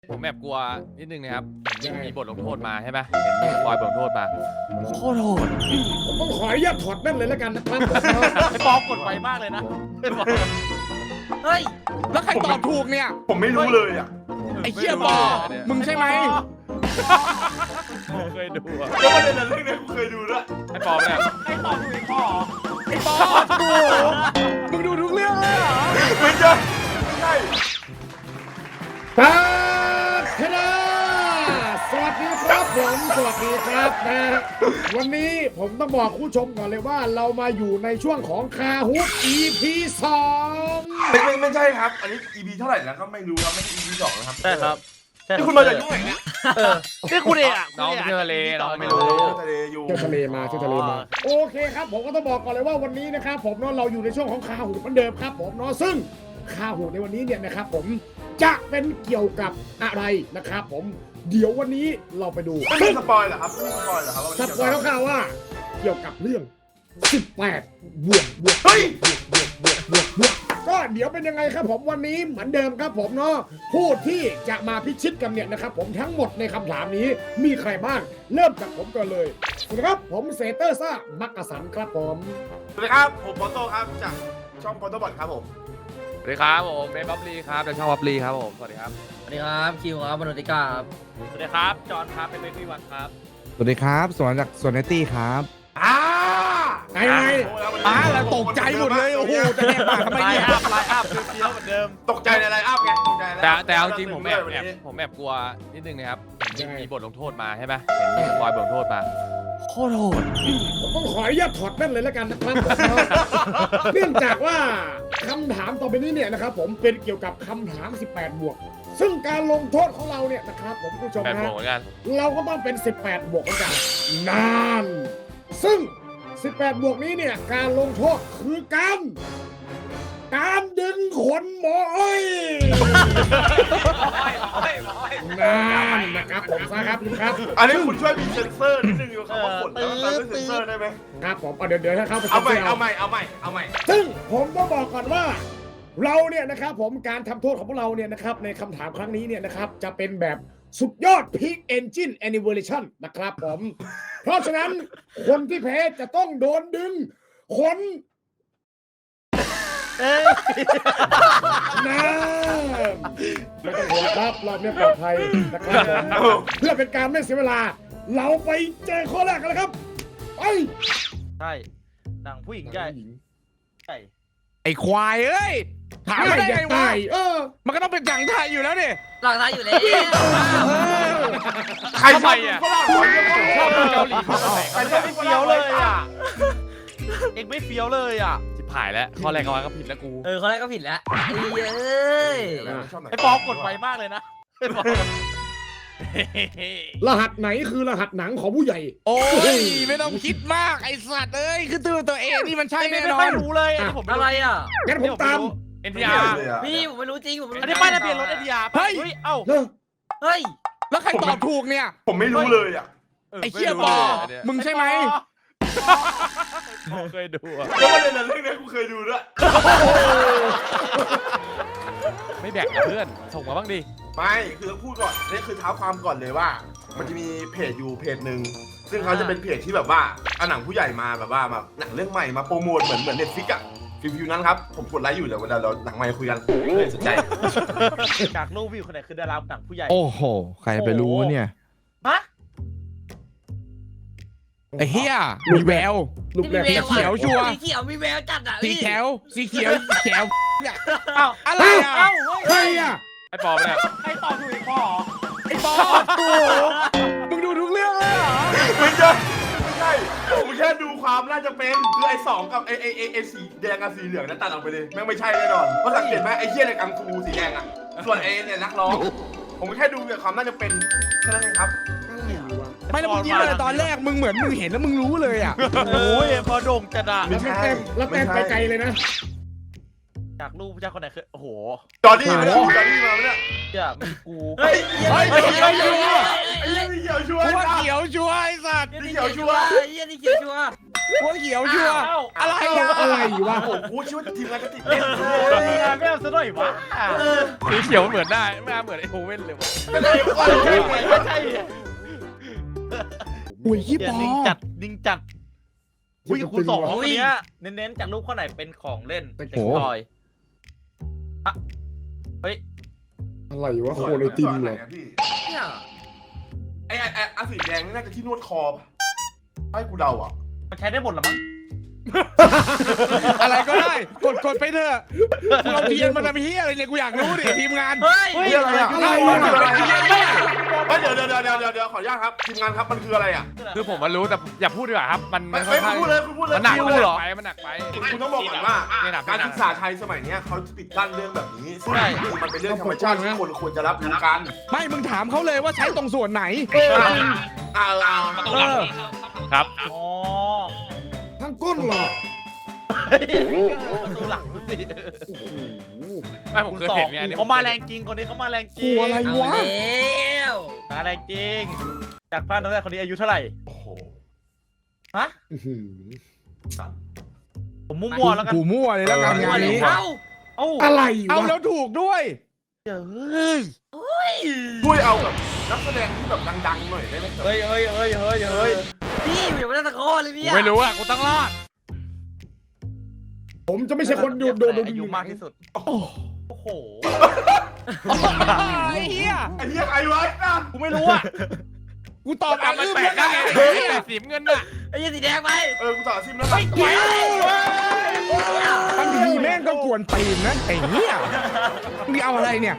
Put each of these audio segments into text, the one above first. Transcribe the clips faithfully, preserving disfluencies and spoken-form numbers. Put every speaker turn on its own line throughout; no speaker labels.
ผมแอบกลัวนิดนึงนะครับผมมีบทลงโทษมาใช่ไหมเห็นมีบอยบทลงโทษมาโคตรโหด
ผมต้องขออนุญาตถอดแว่นเลยแล้วกันนะครับ
ไอ้ปอกดไวมากเลยนะเฮ้ย
แล้วใครตอบถูกเนี่ย
ผมไม่รู้เลยอ่ะ
ไอ้เหี้ยบอมึงใช่ไหม
เคยดูอะ
แล้วประเด็นนั้นเรื่องนี้กูเคยดูด้วย
ไอ้ปอมเนี่ย
ไอ้ตอบถูกไอ้พ่อ
ไอ้บอถูกมึงดูทุกเรื่องเลยเหรอ
ไม่ใช่ไม่ใช่
ตาคณะสวัสดีครับผมสวัสดีครับนะวันนี้ผมต้องบอกผู้ชมก่อนเลยว่าเรามาอยู่ในช่วงของคาฮุ อี พี สอง
ไม่ไม่ไม่ใช่ครับ อันนี้ อี พี เท่าไหร่แล้วก็ไม่รู้ครับไม่ใช่ อี พี สองนะครับ
ใช่ครับ
นี่คุณมาจากยุ่งไหนเนี่ย
นี่คุณเองอ่ะ
น้องเที่ยวทะเลน้องไม่
โอ้
รู้
ทะเลอยู่
เที่ยวทะเลมาเที่ยวทะเลมาโอเคครับผมก็ต้องบอกก่อนเลยว่าวันนี้นะครับผมเนาะเราอยู่ในช่วงของคาฮุเหมือนเดิมครับผมเนาะซึ่งคาฮุในวันนี้เนี่ยนะครับผมจะเป็นเกี่ยวกับอะไรนะครับผมเดี๋ยววันนี้เราไปดู
ไม่มีสปอยเหรอครับไม่มีสปอยเหรอครับ
สปอยแล้วค่ะว่าเกี่ยวกับเรื่อง สิบแปด บวกบวก
เฮ้ย
บวกบวกบวกบวกบวกก็เดี๋ยวเป็นยังไงครับผมวันนี้เหมือนเดิมครับผมเนาะผู้ที่จะมาพิชิตกันเนี่ยนะครับผมทั้งหมดในคำถามนี้มีใครบ้างเริ่มจากผมก่อนเลยสวัสดีครับผมเซเตอร์ซ่ามักกะสันครับผม
สวัสดีครับผมปอโต้ครับจากช่องปอโต้บอทครับผม
สวัสดีครับผมเบนบับลีครับจากช่องบับลีครับผมสวัสดีครับ
สวัสดีครับคิวครับมนุษย์ติกาครับ
สวัสดีครับจอห์นครับเป็นเบบี้วันครับ
สวัสดีครับสวนจากสวนเนตตี้ครับ
อ่า
ไงไง
อ่าแล้วตกใจหมดเลยโอ้โหจะแหกปากทำไม
ไล
เนี่ย
น์อัพไลน์อัพเฟี้ยวเหมือนเดิม
ตกใจในไลน์อัพไงตกใจในไลน์
แต่
อัพ
แต่เอาจริงผมแอบ
วัน
แอบ
นี้
ผมแอบกลัวนิดนึงนะครับเห็นมีบทลงโทษมาใช่ไหมเห็นมีบอยบทลงโทษมาโคตรโหด
ผมต้องขออนุญาตถอดแว่นเลยแล้วกันนะครับผมเนาะเนื่องจากว่าคำถามต่อไปนี้เนี่ยนะครับผมเป็นเกี่ยวกับคำถาม สิบแปด บวก ซึ่งการลงโทษของเราเนี่ยนะครับผมผู้ชม
แอบ
นะ
โหดเหมือนกัน
เราก็ต้องเป็น สิบแปด บวกเหมือนกันนานซึ่ง สิบแปด บวกนี้เนี่ยการลงโทษคือการการดึงขนหมออ้อยนานนะครับผมซะครับครับ
อันนี้คุณช่วยมีเซนเซอร์นิดนึงอยู่ครับว่าฝนแล้วตามด้วยเซนเซอร์ได้ไหม
ครับผมเอาเดี๋ยวเดี๋ยวถ้าเข้าไป
เอาใหม่
ซ็นซร์
เอาใหม่เอาใหม่เอาใหม่
ซึ่งผมต้องบอกก่อนว่า เราเนี่ยนะครับผมการทำโทษของพวกเราเนี่ยนะครับในคำถามครั้งนี้เนี่ยนะครับจะเป็นแบบสุดยอด Peak Engine Animation นะครับผม เพราะฉะนั้นคนที่แพ้จะต้องโดนดึงขน
เอ้ย
น้ำไม่ต้องห่วงครับรอบนี้ปลอดภัยนะครับผมเพื่อเป็นการไม่เสียเวลา เราไปเจอข้อแรกกันเลยครับไป
ใช่หนังผู้หญิงใหญ่ใช่
ไอ้ควายเอ้ยถามไม่ได้
อย่า
ไงวะ
ตายเออ
มันก็ต้องเป็นจังไทยอยู่แล้วดิ
หลังท้ายอยู่แล้ว
ใครช
ทำไม
อบ
อ่ะ
ฝรั่ง
ชอบดูเกาหลี
ใครชอบ
ไม่
ฝ
เฟี้
รั่
ยว
ง
เลยอ่ะเอ็งไม่เฟี้ยวเลยอ่ะ
ชิบหายแล้วข้อแรกเอาไว้ก็ผิดแล้วกู
เออเขาแรกก็ผิดแล้วไอ้เอ้ย
ชอบไหน
ไอ้ปอกดไวมากเลยนะไอ้ปอ
รหัสไหนคือรหัสหนังของผู้ใหญ่
โอ้ยไม่ต้องคิดมากไอ้สัตว์เอ้ยคือตัวตัวเองนี่มันใช่
ไม่
แน่
ไม่
นอ
ค่อน ยรู้เลยอันนี้ผม
อะไรอ่ะ
งั้นผมตาม
เอ็นทีอาร์
พี่ผมไม่รู้จริงผมไม่รู้
อันนี้ป้ายทะเบียนรถเอ็นทีอาร์เฮ้ยเอ้า
เฮ้ย
เฮ้ย
แล้วใครตอบถูกเนี่ย
ผมไม่รู้เลยอ่ะ
ไอ้เหี้ยบอมึงใช่ไหม
เคยดูอะ
แล้วประเด็นนั้นเรื่องนี้กูเคยดูด้วย
ไม่แบ่งกับเพื่อนส่งมาบ้างดิ
ไม่คือต้องพูดก่อนนี่คือเท้าความก่อนเลยว่า มันจะมีเพจอยู่เพจหนึ่งซึ่งเขาจะเป็นเพจที่แบบว่าเอาหนังผู้ใหญ่มาแบบว่ามาหนังเรื่องใหม่มาโปรโมทเหมือนเหมือนเน็ตฟิกอะฟิวฟิวนั้นครับผมกดไลค์อยู่เดี๋ยวเวลาเราหนังใหม่คุยกันเลยสนใจ
จากรูปวิวคนไหนคือดาราหนังผู้ใหญ่
โอ้โหใครไปรู้เนี่ย
ฮะ
ไอ้เหี้ยมีแวว
ลูกแรก
มีแว
เขียวชัวร์
สีเขียวมีแววจัดอ่ะ
สี
พี่
แขวสีเขียวแขวเนี่ย
เอ้า
อะไรอ่ะ
เอ้า
ใครอ่ะ
ไอ้ปอมเนี่ย
ไอ้ตอบถูกไอ้พ่อ
ไอ้บอถูกมึงดูทุกเรื่องเลยเหรอ
ไม่ใช่ไม่ใช่ผมแค่ดูความน่าจะเป็นคือไอ้สองกับไอ้ไอ้ไอ้ไอ้สีแดงกับสีเหลืองนั้นตัดออกไปเลยแม่งไม่ใช่แน่นอนเพราะสังเกตไหมไอ้เหี้ยในกังฟูสีแดงอะส่วนไอ้เนี่ยนักร้องผมแค่ดูแบบความน่าจะเป็นแค่นั้นเองครับ
ไม่แล้วมึงยิ้มเลยตอนแรกมึงเหมือนมึงเห็นแล้วมึงรู้เลยอ่ะ
โอ้ยพอโด่งจัดอะ
แล้วไม่เต็มแล้วเต็มไปไกลเลยนะ
จากรูปผู้ชายคนไหนคือโอ้โห
จอร์ดี้มาเนี่ยจอร์ดี้มาเนี่ย
อย่ามีกู
เฮ้ย
เฮ้ย
เฮ้ย
เขียวชัวร์
ไอ้เหี้ยเขียวช่วย
กูว่าเขียวชัวร์ไอ้สัตว์
นี่เขียวชัวร์
ไอ้เหี้ยนี่เขียวชัวร์
หัวเขียวชัวร์อะไร
เอา
อ่ะ
อะไรวะ
โอ้โหกูคิดว่าทีมงานจะติดเล่น
โอ้ยไม่เอาซะหน่อยวะ
สีเขียวมันเหมือนได้ไม่เหมือนไอ้โอเว่นเลยวะ
ไม่ได้ไม่ได้
ไม่
ไม่
ใช่
ได้
ไม่ใช่
อุ้ยยี่ปอ
นิ่งจัดนิ่งจัดอุ้ยคุณสองคนเนี้ยเน้นๆจากรูปข้อไหนเป็นของเล่นเป็นทอยอะเฮ้ย
อะไรวะโคเลตินเหรอ
พี่
เนี่ย
ไอ้ไอ้ไอ้อาสีแดงนี่น่าจะที่นวดคอป่ะให้กูเดาอ่ะ
มันใช้ได้หมดหรอมั้ง
อะไรก็ได้กดกดไปเถอะมึงเอาเทียนมาทำเฮียอะไรเนี่ยกูอยากรู้ดิทีมงาน
เฮ้ย
เฮ้ยอะไรอ่ะ
อะไร
อะไร
วะ
ไม่เดี๋ยวเดี๋ยวเดี๋ยวเดี๋ยวเดี๋ยวเดี๋ยวขออนุญาตครับทีมงานครับมันคืออะไรอ่ะ
คือผมมารู้แต่อย่าพูดดีกว่าครับ มัน
ไม่
มันค่
ไม่
อนข้าง
พูดเลยคุณพูดเลย
มันหนัก
คิว
มันห
เหร
นั
อก
ไปมันหนักไป
คุณต้องบอกก่อนว่า
ไม่หนัก
การ
ไม่หนั
ศึ
ก
กษาไทยสมัยเนี้ยเขาปิดกั้นเรื่องแบบนี้ซึ่งจริงๆมันเป็นเรื่องธรรมชาติที่คนควรจะรับรู้กัน
ไม่มึงถามเขาเลยว่าใช้ตรงส่วนไหน
อ่าอ่า
เออ
ครับ
อ๋อ
ทั้งก้นเหรอ
ดูหลังสิ
ไม่ผม
คุณ
เคย
สอ
เห็
ง
นเนี่ยอันนี้
เขามาแรงจริงคนนี้เขามาแรงจริ
กู
ง
อะไร
เอา
วะ
แล้ว
มาแรงจริงจากพลาดตั้งแต่คนนี้อายุเท่าไหร่
โอ้โห
ฮะ
อื้อหือ
ผมมั่วๆแล้วกัน
กูมั่วเลยแล้วกันงานนี้
เอ้า
เอ้า
อะไร
เอา
วะ
แล้วถูกด้วย
เฮ้ย
ช่วยเอาแบบนักแสดงที่แบบดังๆหน่อยได้ไหม
เฮ้ยเฮ้ยเฮ้ยเฮ้ยเฮ้ย
พี่อยู่ไม่ได้ตะโกนเลย
กู
เนี่ย
ไม่รู้อ่ะกูต้องรอด
ผมจะไม่ใช่คนดูโดนดู
อายุมากที่สุด โอ้โห
ไอ้เหี้ย
ไอ้เหี้ยไอ้ไว้นะ
กูไม่รู้อ่ะ
กูตอบอ่ะ
มัน
อื้ม
แปล
แล้
ก
ว
ได้
กัน
ไอ้แต่สีเงินน่ะ
ไอ้ยี่สีแดงไป
เออกูต่อซิมแล้วกัน
บางทีแม่งก็กวนตีนนะไอ้เหี้ยมึงเอาอะไรเนี่ย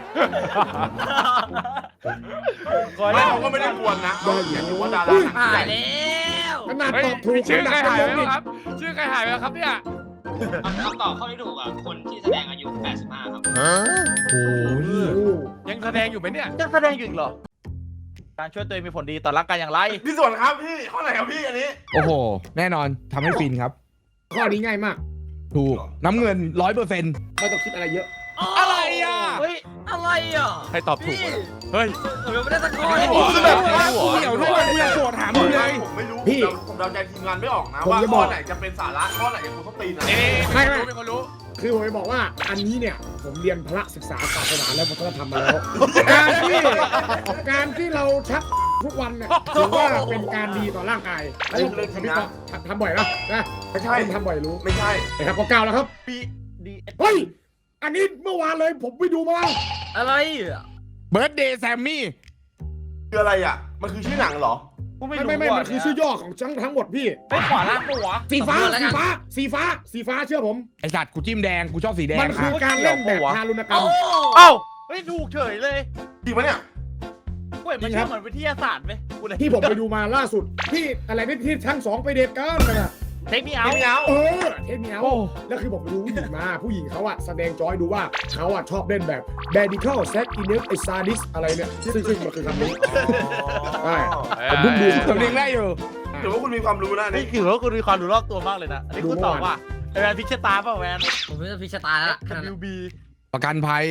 ไม่เราก็ไม่ได้กวนนะเราอยากรู้ว่าดารา
หายแล้ว
ขนาด
เฮ้ย
ตอบถูก
ชื่อใครหายไป
ขนด
แล้วครับ ชื่อใครหายไปแล้วครับเนี่ย
คำตอบข้อที่ถูกอ่ะ คนที่แสดงอายุ แปดสิบห้า ครับ
โอ้ย
โอ้
ยังแสดงอยู่ไหมเนี่ย
ยังแสดงอยู่อีกเหรอ การช่วยตัวเองมีผลดีต่อร่างกายอย่างไร
พี่ส่วนครับพี่ข้อไหนครับพี่อันนี้
โอ้โห แน่นอนทำให้ฟินครับ
ข้อนี้ง่ายมาก
ถูกน้ำเงินร้อยเปอร์เซ็นต์
ไม่ต้องคิดอะไรเยอะ
อะไรอ่ะ
เฮ้ย
อะไรอ่ะ
ใครตอบถูกวะเฮ้ย
ผมยังไม่ได้ตะโกน
ไม่
เลย
รู้
พี่
อะ
กูเหี่ยวด้วยกูยังโกรธถามมึงเลย
ผมไม่รู้
พี่
ผมเดาใจทีมงานไม่ออกนะ
ผม
ว่า
จะบ
ข้
อ
อก ไหนจะเป็นสาระข้อไหนจะคุณต้องตีนนะ
นี่
ไม่
ไม่
ไม่
รู้เป็นคนรู้
คือผมจะบอกว่าอันนี้เนี่ยผมเรียนพระศึกษาศาสนาและวัฒนธรรมมาแล้ว การที่การที่เราชักทุกวันเนี่ยถือว่าเป็นการดีต่อร่างกายแล้วผมทำพี่ก็ทำบ่อยนะนะ
ไม่ใช่
ผมทำบ่อยรู้
ไม่ใช่
นะครับก็เก้าแล้วครับ
ปีดี
เฮ้ยอันนี้เมื่อวานเลยผมไปดูมา
อะไรอ่ะ
เบิร์ดเดย์แซมมี่
คืออะไรอ่ะมันคือชื่อหนังเหรอ
กูไม่
ไม่
รู้
ไม่ไม่มันคือชื่อย่อของทั้งทั้งหมดพี่
ไม่ขวาล่างปะวะ
สีฟ้าสีฟ้าสีฟ้าสีฟ้าเชื่อผม
ไอสัตว์กูจิ้มแดงกูชอบสีแดง
มันคือการเล่นแบบทารุณกรร
โอ้
ม
เอ้าเฮ้ยถูกเฉยเลย
จริงปะเนี่ย
เว้ยมัน
จริงครั
เชื่อบ เหมือนวิทยาศาสตร์ไหมกูเลย
ที่ผมไปดูมาล่าสุดที่อะไรนี่ที่ทั้งสองไปเดทกันนะ
เทคนิคเอา
ไม่เอา
เออเทปนี้เอาแล้วคือผมไปดูผู้หญิงมาผู้หญิงเขาอะแสดงจอยดูว่าเขาอะชอบเล่นแบบ medical sex in it ไอ sadis อะไรเนี่ยซึ่งซึ่งมันคือคำนี้ ใช่ ผมเพิ่งดู
สำเนียงได้อยู่
ถือว่าคุณมีความรู้นะอัน
นี่
นี่
ถือว่ากูมีความรู้รอบตัวมากเลยนะ อันนี้กูตอบว่าไอแวนพิชตาเปล่าแวน
ผมไม่ได้พิชตาแล้วขนาดนั้น
W B
ประกันภัย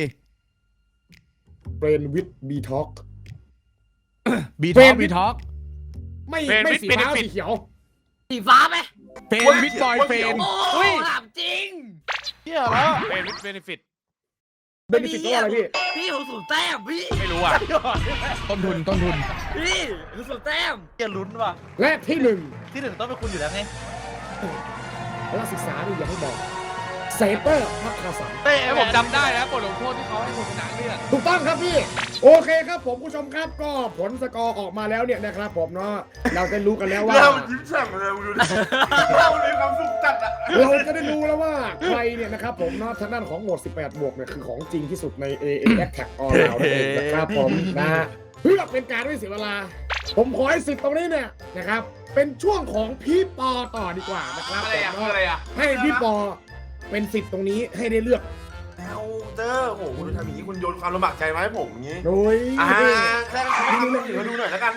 brain with b talk
บี
เฟ
ท็
ร
อน ก
วิ
บี
ท
ท็อก
ไม่
เฟรน
ไม่
วิท
สี
เป็น
ฟ้า
ฟิต
สีเขียว
สีฟ้าไหม
เฟนวิดบอยเฟน
โอ้ถามจริง
เที่ยแล้ว
เป็นวิทเบนฟิต
เป็นฟิตตัวอะไรพี่
พี่ผมสูงแต้มพี่
ไม่รู้อ่ะ
ต้นทุนต้นทุน
พี่ผมสูงแต้ม
เที่ยลุ้นว่ะ
และที่หนึ่ง
ที่หนึ่งต้องเป็นคุณอยู่แล้วไง
พละศึกษานี่อย่าให้บอกเซเปอร์พักคาสัน
เต้
ไอ้ผมจำได้นะบทลงโทษที่เขาให้คนชนะเลือก
ถูกต้องครับพี่ โอเคครับผมผู้ชมครับก็ผลสกอร์ออกมาแล้วเนี่ยนะครับผมเนาะเราได้รู้กันแล้วว่า
เรายิ้มแฉ่งเลยดูดิเรามีความสุขจัดอ่ะ
เราจะได้รู้แล้วว่าใครเนี่ยนะครับผมเนาะทางด้านของโหมดสิบแปดบวกเนี่ยคือของจริงที่สุดใน เอ เอ Attack All Round นั่นเองนะครับผมนะฮะเพื่อเป็นการไม่เสียเวลา ผมขอให้สิทธิ์ตรงนี้เนี่ยนะครับ เป็นช่วงของพี่ปอต่อดีกว่านะครับ
อะไรอ่ะ
ผม
คือ
เนาะ
อะไรอ่ะ
ให้พี่ปอเป็นสิทธิ์ตรงนี้ให้ได้เลือก
แล้วเตอร์โหคุณทำอย่างนี้คุณโยนความลำบากใจมาให้ผมอย่างนี้
โดย
อ่าแค่ให้ดูเรื่องอื่นมาดูหน่อยแล้วกัน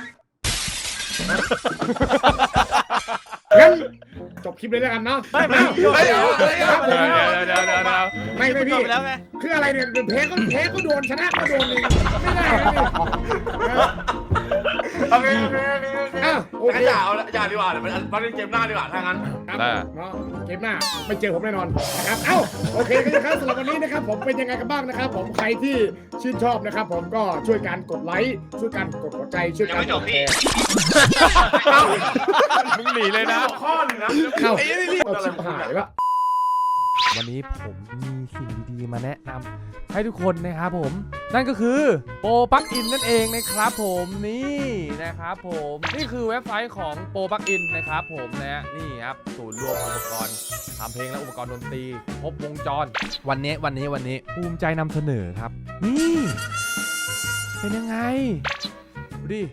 งั้นจบคลิปเลยแล้วกันเนาะ
ไม่ไม่
เดี๋ยว
ไม่
เดี๋ยว
ไม่
เดี๋ยวครับผม
เดี๋ยวเดี๋ยวเดี๋ยวเดี๋ยว
ไม่ไม่
จ
พี่
บไปแล้วไง
คืออะไรเนี่ยแพ้ก็แพ้ก็โดนชนะก็โดนเลยไม่ได้นะพี่
โอเคโอเคโอเคโอเค
อ่ะโอ
แต่
เค
ก็อย่าเอาอย่าดีกว่าเดี๋ยวมันมันเล่นเกมหน้าดีกว่าถ้างั้น
ครับเนาะเกมหน้าไม่เจอผมแน่นอนนะครับเอ้าโอเคกันนะครับสำหรับวันนี้นะครับผมเป็นยังไงกันบ้างนะครับผมใครที่ชื่นชอบนะครับผมก็ช่วยกันกดไลค์ช่วยกันกดหัวใจช่วย
ยัง
กัน
ไม่จ
ก
บ
ด
พี่
แชร์
มึงหนีเลยนะ
ข้อหนึงนะ
เข้า
ไอ้นี่นี่
เอาชิบหายละ
วันนี้ผมมีสิ่งดีๆมาแนะนำให้ทุกคนนะครับผมนั่นก็คือโปรปลั๊กอินนั่นเองนะครับผมนี่นะครับผมนี่คือเว็บไซต์ของโปรปลั๊กอินนะครับผมนะฮะนี่ครับศูนย์รวมอุปกรณ์ทำเพลงและอุปกรณ์ดนตรีครบวงจรวันนี้วันนี้วันนี้ภูมิใจนำเสนอครับนี่เป็นยังไงดูดิ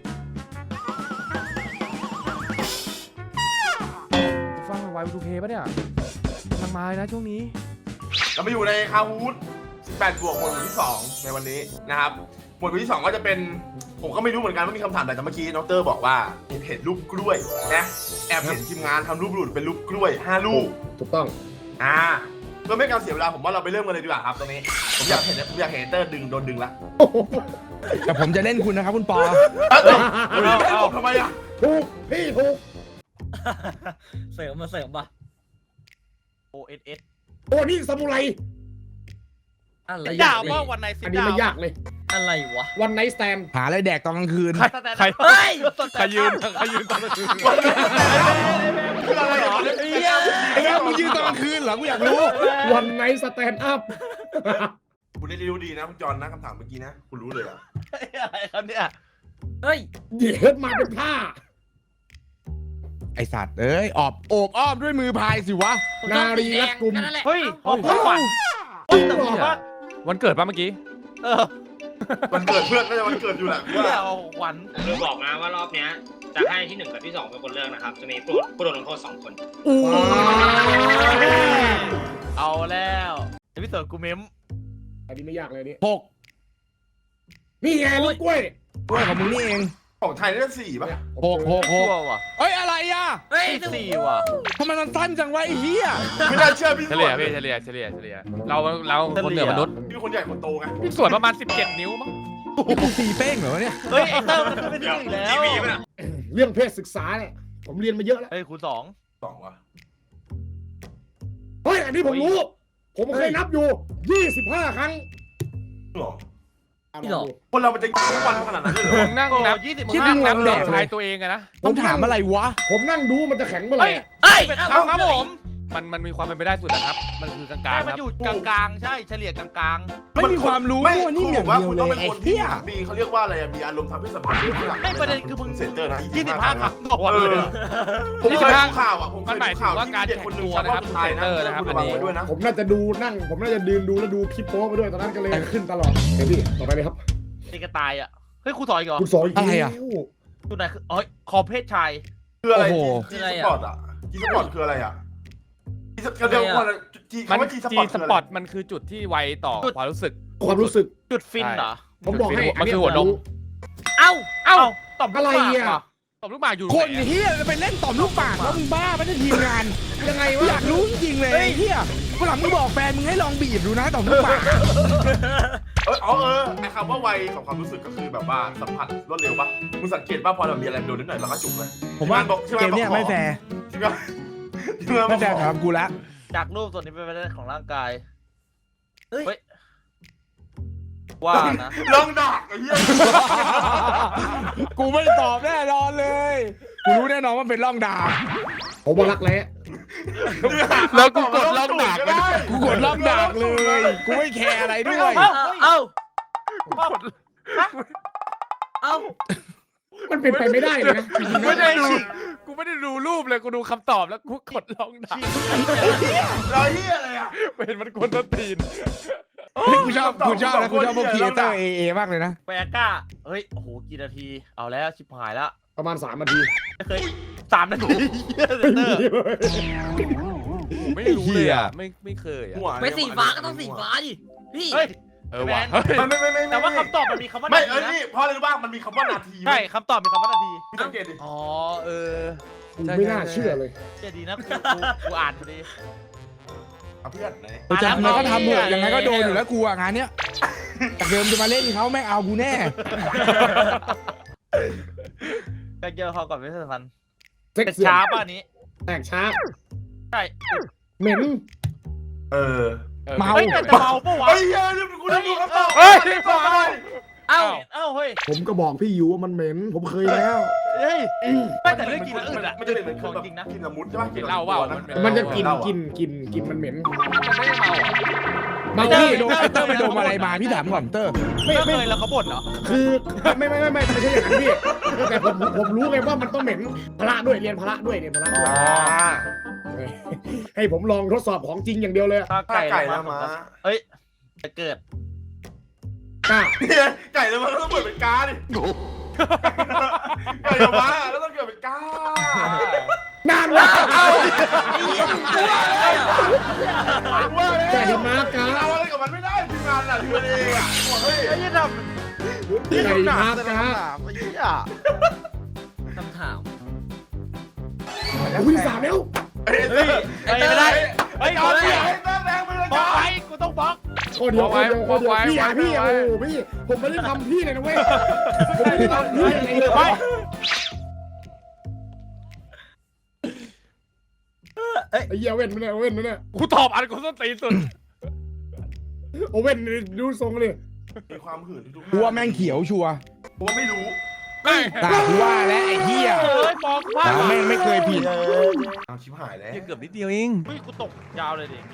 ฟังไวทูเพย์ปะเนี่ยกำลังมาเลยนะช่วงนี้
เรามาอยู่ในคาฮูดสิบแปดบวกหมวดหมู่ที่สองในวันนี้นะครับหมวดหมู่ที่สองก็จะเป็นผมก็ไม่รู้เหมือนกันว่ามีคำถามอะไรแต่เมื่อกี้น้องเตอร์บอกว่าเห็นรูปกล้วยนะแอบเห็นทีมงานทำรูปหลุดเป็นรูปกล้วยห้าลูก
ถูกต้อง
อ่าเพื่อไม่ให้การเสียเวลาผมว่าเราไปเริ่มกันเลยดีกว่าครับตรงนี้ผมอยากเห็นผมอยากเห็นเตอร์ดึงโดนดึงละ
แต่ผมจะเล่นคุณนะครับคุณปอ
เอ้าเอ้าเอ้าทำไมอ่ะ
ถูกพี่ถูก
เสริมมาเสริมป่ะ
โอเอสเอส
โอ้นี่ซามูไร
อะไร
ดาว
เล
ว่าย วันไหนสิ
อันนี้ไม่ยากเลย
อะไรวะ
วันไนท์สแตน
หาอะไรแดกตอนกลางคืน
ใครใคร
เฮ้ย
ใครยืนใครยืนตอนกลางคืน
คืออะไรเหรอ
ไอ้เงี้ยมึงยืนตอนกลางคืนเหรอกูอยากรู้
วันไนท์สแตนอัพ
คุณได้รู้ดีนะคุณจอนนะคำถามเมื่อกี้นะคุณรู้เลยอ่ะ
อะไรครับเนี่ย
เฮ้ย
เดี๋ยวมาเป็นผ้า
ไอสัตว์เอ้ยออบโอบอ้อมด้วยมือพายสิวะ
นารีรัดกุม
นั่นแหละ
เฮ้ย
เอ้า
ขอบคุณขวัญแต่ว่า
วันเกิดป่ะเมื่อกี้
เออ
วันเกิดเพื่อนก็จะวันเกิดอยู่แหละ
เดี๋ยวขวัญ
คือบอกนะว่ารอบเนี้ยจะให้ที่หนึ่งกับที่สองเป็นคนเลือกนะครับ จะมีผู้ผู้โดนลงโทษสองคน
เอาแล้วเอพิโซดกูเมม
อันนี้ไม่ยากเลยนี่
หก
นี่ไงลูกกล้วย
กล้วยของมึงนี่เอง
ของไทยนี่สี่ป่ะ
หกหกห
ชั่
ก
วว่ะ
เอ้ยอะไรอ่ะ
เฮ้ย
สี่ว่ะ
ทำไมมันสั้นจังวะไอ้เหี้ย
ไม่น่าเชื่อพี่
เฉ
ส่
ลี่
วย น
พี่เฉลี่ยเฉลี่ยเฉลี่ยเราเราคนเหนือมนุษย์
พี่คนใหญ่คนโตไง
พี่ส่วนประมาณสิบเจ็ดนิ้วมั้ง
นี่กูตีเป้งเหรอวะเนี่ย
เฮ้ยไอเตอร์มันขึ้นไปที่หนึ่งแล้ว
เรื่องเพศศึกษาเนี่ยผมเรียนมาเยอะแล้ว
เฮ้ยคูณสอง
สองวะ
เฮ้ยอันนี้ผมรู้ ผมเคยนับอยู่ยี่สิบห้าครั้ง
หรอ
อ่ะ
นี่หรอ
ลองดู
คนเรามันจะทุกวันขนาดนั้นเลยเหร
ผ
อ
มนั่งนับ
ยี่สิบ
คิด
ห้า
นั่งนับ
แด
เด็
ก
ก
เลย
ชายตัวเองอะนะ
ต้องถามอะไรวะ
ผมนั่งดูมันจะแข็งเมื่อไหร่
เฮ้ย
อะ
เฮ้ย
เอาครับผม
มันมันมีความเป็นไปได้สุดนะครับ มันคือกลาง
ใช่
ๆ
มัน
ครับ
อยู่กลางๆ ใช่เฉลี่ยกลาง
ไม่มีความรู้
ไม่
พวกนี้
คุณ
อบ
อย่าง กว่า
เดียว
คุณ
เล
ต้อง
ย
เป็น
ไอ้
คนที่
เหี้ย
มีเขาเรียกว่าอะไรอะมีอารมณ์ทางเพศสัมพันธ์ที่หลัง
ๆไม่ประเด็นคือมึง
เซ็นเตอร์นะ
ยี่สิบห้าครั้งต่อวัน
เอ
เลย
อ
อะ
ผมเคยดูข่าวอ่ะผมเค
มัน
ย
หมาย
ดู
ถึ
ข่าง ว
ว่า
ที่
การ
เด็ก
แข่ง
คนหนึ่ง
ตัว
ชอบ
นะครับ
สุดท้ายนะ
เซนเตอร์นะครับ
คุณ
อัน
ระวัง
นี้
ไว้ด้วยนะ
ผมน่าจะดูนั่ง ผมน่าจะยืนดูแล้วดูคลิปโป๊ไปด้วยตอนนั้นก็เลยขึ้นตลอดเดี๋ยวพี่ต่อไปเลยครับ
นี่ก็ตายอ่ะ เฮ้ยครูสอนอีกเหรอ
คุณสอนอีก
อะไรอะ
แล้ว
ตัวไหนคืออ๋อคอเพศชาย
คืออะไร
โอ้โห
จีสปอร์ตอ่ะจีสปอร์ตคืออะไรอ่ะจีสเดี๋ยวก่อนจี
มัน
คำว่าจีส
จี
ปอร์ต
ส
คือ
ปอ
อะ
ร์ต
ไร
มันคือจุดที่ไวต่อความรู้สึก
ความรู้สึก
จุดฟินเหรอ
ผมบอกให้
มันคือหัวนม
เอ้า เอ้าตอบ
อะไร
ลูกหมาก
อ่ะ
ว่ะ
ตบลูกหมากอยู่
คน
ไหนอะ
เหี้ยจะไปเล่นต่อมลูกปากแล้วมึงบ้าไม่ได้ทีมงาน
ยังไง
อ
วะ
ยากรู้จริงๆเลยไอ้เหี้ยวันหลังมึงบอกแฟนมึงให้ลองบีบดูนะต่อมลูกปาก
เอออ๋อเออไอคำว่าไวของความรู้สึกก็คือแบบว่าสัมผัสรวดเร็วปะมึงสังเกตป่ะพอเรามีอะไรโดนนิดหน่อยเราก็จุกเลย
ผมว่า
บอกที่
เกมเนี้ยไม่แฟร์
ใช่ไหมใช่ไหม
ไม่แฟร์สำหรับกูละ
จากรูปส่วนนี้เป็นไปได้ของร่างกาย
เฮ้ย
เฮ้ย ว่านะ
ลองดักไอ้เหี้ย
กูไม่ตอบแน่นอนเลยกูรู้แน่นอนว่าเป็นร่องดาบ
ผมว่ารักแร้
แล้วกูกดล็อกดากไป
ได้
กูกดร่องดาบเลย กูไม่แคร์อะไรด้วย
เอ้า เอ้า
เอ้า
มันเป็นไปไม่ได้เลยนะจริงๆ
ไม่
นะ
ได้ดูกูไม่ได้ดูรูปเลยกูดูคำตอบแล้วกูกดล็อกดาก
เราเหี้ยอะไรอ่ะ
เป็นมันคนต้นตีน
กูชอบกูชอบนะกูชอบพวกครีเอเตอร์เอเอมากเลยนะ
แปรก้า เฮ้ย โอ้โห กี่นาที เอาแล้ว ชิบหายแล้ว
ประมาณสามนาที
ไม่เคยสามนาทีเหี้ยเซนเตอร์
ไม่รู้เลยอ่ะไม่ไม่เคยอ่ะ
หัว
ไปสีฟ้าก็ต้องสีฟ้าดิ พี่
เฮ้ย
เออว่ะเฮ้ย
ไม่ไม่ไม่ไม่
แต่ว่าคำตอบมันมีคำว่า
ไม่
นา
เอ
ที
อ
นะ
นี่เพราะอะไรรู้ป่ะมันมีคำว่านาที
ใช่คำตอบมีคำว่านาที
พี่สังเกตดิ
อ๋อเออ
กูไม่น่าเชื่อเลย
เชื่อดีนะกูกูกูอ่านพอดี
เอาเพื่อนไหน
กูจะทำอะไรก็ทำเถอะยังไงก็โดนอยู่แล้วกูอะงานเนี้ยจากเดิมจะมาเล่นเขาแม่งเอากูแน่
ก็เจอเขาก่อนไม่ทัน
เซ็ก
เป็น
เสื่อ
ช้าม ป่ะอันนี้
แตกช้า
ใช่
เหม็น
เออ
เมา
เฮ้ยแต่เมาปะวะ
เฮ้ยเฮ้ยกูจะดูคำตอบ
เฮ้ย
ตอบอะไร
เอ้าเอ้าเฮ้ย
ผมก็บอกพี่อยู่ว่ามันเหม็นผมเคยแล้ว
เฮ้ยไม่แต่เรื่องกินแล้วอื่นอะ
มันจะเป็นเหมือน
ของ
แบบ
จริงนะ
กินละมุดใช่ปะ
กินเหล้าเปล่า
มันจะกินกินกินกินมันเหม็น
มันไม่ได้เมาอ่ะ
เมา
เตอ
พี่
ร์โดนเตอร์ไปโดนอะไรมาพี่ถามก่อนเตอร์
ไม่
ไม่
ไม่
เคยแล้วเขาบ่นเหรอ
คือไม่ไม่ไม่ไม่ไม่ใช่อย่างนั้นพี่แต่ผมผมรู้ไงว่ามันต้องเหม็นพละด้วยเรียนพละด้วยเรียนพละด้วย
อ่า
ให้ผมลองทดสอบของจริงอย่างเดียวเลย
ถ้า
ไก่
ไก่
ไก่
แล้
แล้ว ว
มา
มา
เอ้ยจะเกิด
กล้า
เนี่ยไก่แล้วมันก็ต้องเปิดเป็นกาดิไก่แล้วมาแล้วต้องเกิดเป็นกาน
านแล้ว
ว่าเลย
แต่ที่มากา
เอาอะไรกับมันไม่ได้ทีมงานอ่ะทีมงานเองอ่ะเฮ้ย
ไอ้ยี่ท
ไก่มากา
ำไอ้ยี่
คำถาม
วิ่งสามแล้ว
เฮ้ย
เฮ้ยไอ้ไม่ได้
ไอ้กอนเนี่ยไอ้แม่แรงไปเลย
บล็อก
กา
ไว้กูต้องบล็อก
ข้อเดียวข้อเดียวข้อเดียวพี่อ่ะพี่โอ้พี่ผมไม่ได้ทำพี่เลยนะเว้ยผมไม่ได้ทำพี่อะไรเลย
ไป
ไอ้เหี้ยเว้นไม่ได้เว้นไม่ได้
กูตอบอันกูส้นตีนสุด
โอเว้นดูทรงเลย
มีความหื่นทุก
กูว่าแม่งเขียวชัวร์
ผมไม่รู้
ไม่
ตากูว่าแล้วไอ้เหี้ย
เฮ้ยบล็อกพลาด
เราแม่งไม่เคยผิด
เอาชิบหายแล้ว
เกือบนิดเดียวเอง
เฮ้ยกูตกยาวเลยดิ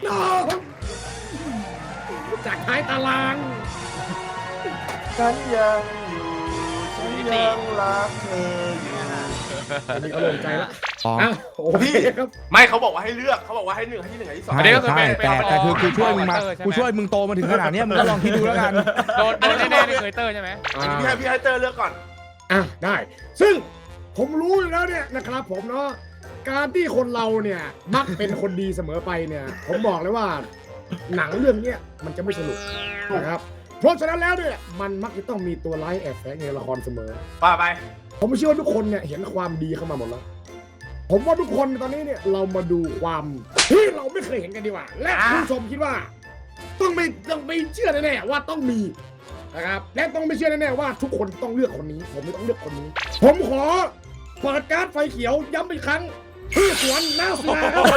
จากท้ายตาราง
ฉันยังอยู่ฉันยังรักเธออยู่
อันนี้เขาลงใจแล้ว
อ๋อ
อ้าวโอเคครับ
ไม่เขาบอกว่าให้เลือกเขาบอกว่าให้หนึ่งให้ที่หนึ่งให้ที่สอง
อันนี้ก็คือ
ใช่
เป็น
แต่แต่คือกูช่วยมึงมา
ใช่ไห
กูช่วยมึงโตมาถึงขนาดเนี้ยมึงก็ลองคิดดูแล้วกัน
โดนโดนแน่ๆนี่เคยเตอร์ใช่ไหม
อันนี้พี่ให้พี่ให้เตอร์เลือกก่อน
อ่ะได้ ซึ่งผมรู้อยู่แล้วเนี่ยนะครับผมเนาะการที่คนเราเนี่ยมักเป็นคนดีเสมอไปเนี่ย ผมบอกเลยว่า หนังเรื่องเนี้ยมันจะไม่สนุกนะครับเพราะฉะนั้นแล้วเนี่ยมันมักจะต้องมีตัวร้ายแอบแฝงในละครเสมอ
ว่าไป
ผมเชื่อว่าทุกคนเนี่ยเห็นความดีเข้ามาหมดแล้ว ผมว่าทุกคนตอนนี้เนี่ยเรามาดูความที่เราไม่เคยเห็นกันดีกว่า และผู้ชมคิดว่า ต้องไม่ต้องไม่เชื่อแน่ๆว่าต้องมีนะครับและต้องไม่เชื่อแน่ๆว่าทุกคนต้องเลือกคนนี้ ผมไม่ต้องเลือกคนนี้ ผมขอเปิดการ์ดไฟเขียวย้ำอีกครั้งพี่สวนหน้าสนาครับ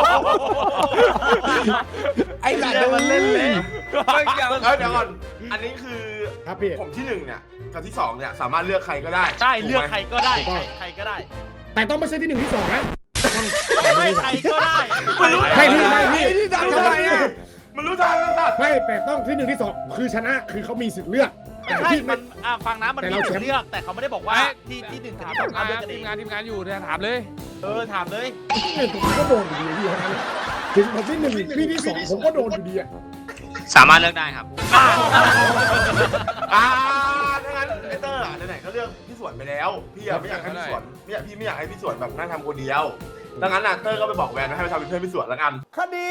ไอ้สัตว์
มันเล่นเลย
เฮ้ยเดี๋ยวเดี๋ยวก่อน อันนี้คือ
ครับพี่
ผมที่หนึ่งเนี่ยกับที่สองเนี่ยสามารถเลือกใครก็ได้
ใช่เลือก
ถูไหม
ใครก็ได้ใครใครก็ได้
แต่ต้องไม่ใช่ที่หนึ่งที่สองนะต้อง
ไม่ใครก็ได้
ไม่พี่ไม่พี่
ไอ้ที่ดังทำไมอ่ะ
มันรู้ทางกันสัตว์
ไม่แต่ต้องที่หนึ่งที่สองคือชนะคือเขามีสิทธิ์เลือกแต่
ใช่
ที่
มั
ไม่
นอ่ะฟังนะมัน
แต่
มี
เรา
สิท
แชมป์
ธิ์เลือกแต่เขาไม่ได้บอกว่าที่ที่หนึ่งกับ
ถาม
ที่สอง
งาน
เลือกกันเอ
ทีม
ง
งานทีมงานอยู่เนี่ยถามเลย
เออถามเลย
ผมก็โดนอยู่ดีอะถึงผมที่หนึ่งพี่ที่สองผมก็โดนอยู่ดีอะ
สามารถเลือกได้ครับ
อ่าถ้างั้นไอเตอร์อ่ะไหนๆก็เลือกพี่สวนไปแล้ว พี่อะไม่อยากให้พี่สวนไม่อยากพี่ไม่อยากให้พี่สวนแบบนั่งทำคนเดียวดังนั้นน่ะเตอร์ก็ไปบอกแวนว่าให้ไปทำเป็นเพื่อนพี่สวนแล้วกัน
คดี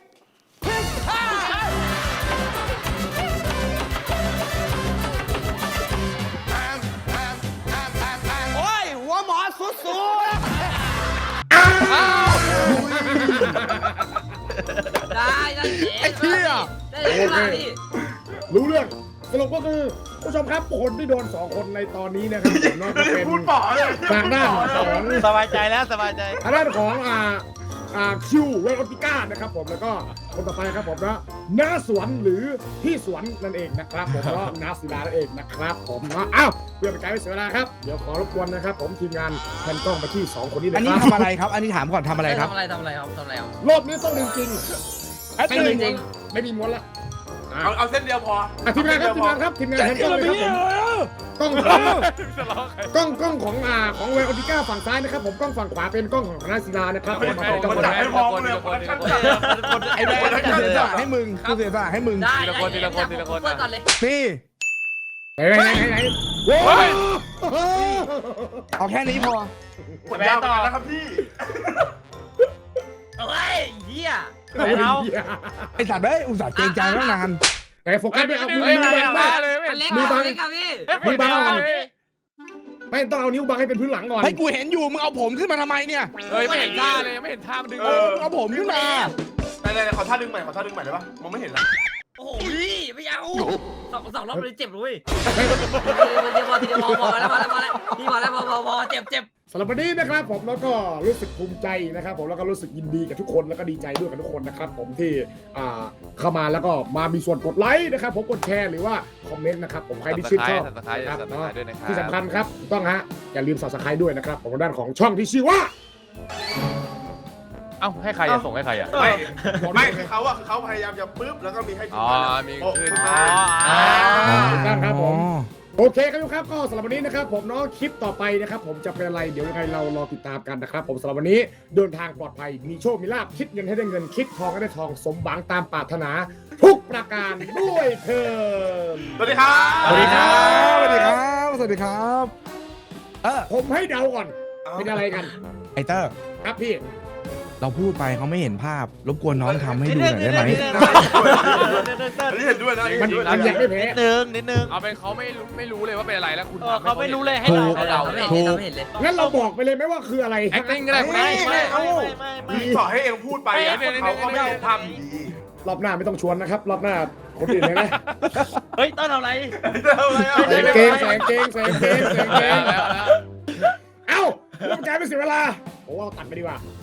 ได้ได้
ไอ้เหี้ย
ได้เลยมาพี่
รู้เรื่องสรุปก็คือผู้ชมครับคนที่โดนสองคนในตอนนี้นะครับผมเนาะก็เป็น
พูดป๋อเลย
ทางด้านของ
สบายใจแล้วสบายใจ
ทางด้านของอ่าอ่าคิวเวลอติก้านะครับผมแล้วก็คนต่อไปครับผมนะน้าสวนหรือพี่สวนนั่นเองนะครับผมก็น้าศิลานั่นเองนะครับผมเนาะอ้าวเพื่อเป็นการไม่เสียเวลาครับเดี๋ยวขอรบกวนนะครับผมทีมงานแพนกล้องไปที่สองคนนี้เลย
อัน
ค
นี้
รับ
ทำอะไรครับ อันนี้ถามก่อนทำอะไรครับ
ทำอะไรทำอะไรครับทำอะไรครับ
รอบนี้ต้องจริงๆไม่มีม้วนไม่มีม้วนละอ่ะ
เอาเอาเส้นเดียวพอ
อ่ะทีมงานครับทีมงานครับทีมงานแพนกล้องเลยครับผมกล้องของกล้องกล้องของอ่าของเวลอติก้าฝั่งซ้ายนะครับผมกล้องฝั่งขวาเป็นกล้องของน้าศิลานะครับผมมาเป็นกล้อง
มัน
คน
จั
ละ
ดให้พอเลยมันขั้นจัด
ไอ้แม่งกูเสียสละให้มึงกูเสียสละให้มึง
ได้
ทีละคนทีละคนทีละคน
เปิดก่อนเลย
นี่
ไหนไหนไหนไหนโว้ย
เอาแค่นี้พอ
กดยาวไปนะครับพี่
เฮ้ยเหี้ย
ไม่เอา
ไอ้สัตว์เอ้ยอุตส่าห์เกรงใจตั้งนาน
ไหนโฟกัสด้วยเอามือ
เฮ้ย
มื
มา
อบัง
มา
บ้าง
เลย
อันเล็ก
มือบัง
อันเล็กครับพี่
มือบังไม่ต้องเอานิ้วบังให้เป็นพื้นหลังก่อน
ให้กูเห็นอยู่มึงเอาผมขึ้นมาทำไมเนี่ย
เฮ้ยไม่เห็นท่าเลยไม่เห็นท่ามันดึง
เออมึงเอาผมขึ้นมา
ไหนๆขอท่าดึงใหม่ขอท่าดึงใหม่ได้ปะมองไม่เห็นละ
โอ้โหพี่ไม่เอาสองสองรอบเลยเจ็บเลยทีเดียวพอทีเดียวพอพอแล้วพอแล้วพอแล้วพี่พอแล้วพอพอพอเจ็บเจ็บ
สำหรับวันนี้นะครับผมแล้วก็รู้สึกภูมิใจนะครับผมแล้วก็รู้สึกยินดีกับทุกคนแล้วก็ดีใจด้วยกับทุกคนนะครับผมที่อ่าเข้ามาแล้วก็มามีส่วนกดไลค์นะครับผมกดแชร์หรือว่าคอมเมนต์นะครับผมใครที่ชื่นชอบ
สับสไครต์
นะครับ
สับสไครต์ด้วยนะครับ
ที่สำคัญครับถูกต้องฮะอย่าลืม Subscribe ด้วยนะครับของด้านของช่องที่ชื่อว่า
เอ้าให้ใครอะส่งให้ใครอะ
ไม่ไม่คือเขาอะคือเขาพยายามจะปึ๊บแล้วก็มีให้ที
อ๋
ม
อ
งาน
มี
โอ้
ขึ้น
ขึ้น
มา
มา
ถูกต้องครับผม โอเคครับทุกครับก็สำหรับวันนี้นะครับผมเนาะคลิปต่อไปนะครับผมจะเป็นอะไรเดี๋ยวยังไงเรารอติดตามกันนะครับผมสำหรับวันนี้เดินทางปลอดภัยมีโชคมีลาภคิดเงินให้ได้เงินคิดทองให้ได้ทองสมหวังตามปรารถนา ทุกประการด้วยเถิด
สวัสดีครับ
สวัสดีครับสวัสดีครับสวัสดีครับเออ
ผมให้เดาก่อนเป็นอะไรกัน
ไอเตอร์
ครับพี่
เราพูดไปเขาไม่เห็นภาพรบกวนน้องทำให้ดูหน่อยได้ไหม
อันนี้เห็นด้วยนะอันนี้
มัน
เห็นด้วย
มัน
นะ
ยังไม่แพ้
นิดนึงนิดนึง
เอาเป็นเขาไม่รู้ไม่รู้เลยว่าเป็นอะไรแล้วคุณ
เออเขาไม่รู้เลยให้
ถู
เรา
ก
ให้เรา
ไม่
ไม่
เห็นเลยไม่เห็นเลย
งั้นเราบอกไปเลยไหมว่าคืออะไร
acting ก็ได้คุณ
ไม่
ได้
ไม่ไม่ไม่ไม่
มีต่อให้เองพูดไปอะเขาก็ไม่เห็นภาพดี
รอบหน้าไม่ต้องชวนนะครับ รอบหน้าคนอื่นเลยนะ
เฮ้ยต้นเอาอะไร
เอาเลยเอา
แส
เลย
งเกงแสงเกงแสงเกงแสงเก
แล้ว
ง
แล้วแล้ว
เอ้าเรื่องการไม่เสียเวลาผมว่าเราตัดไปดีกว่า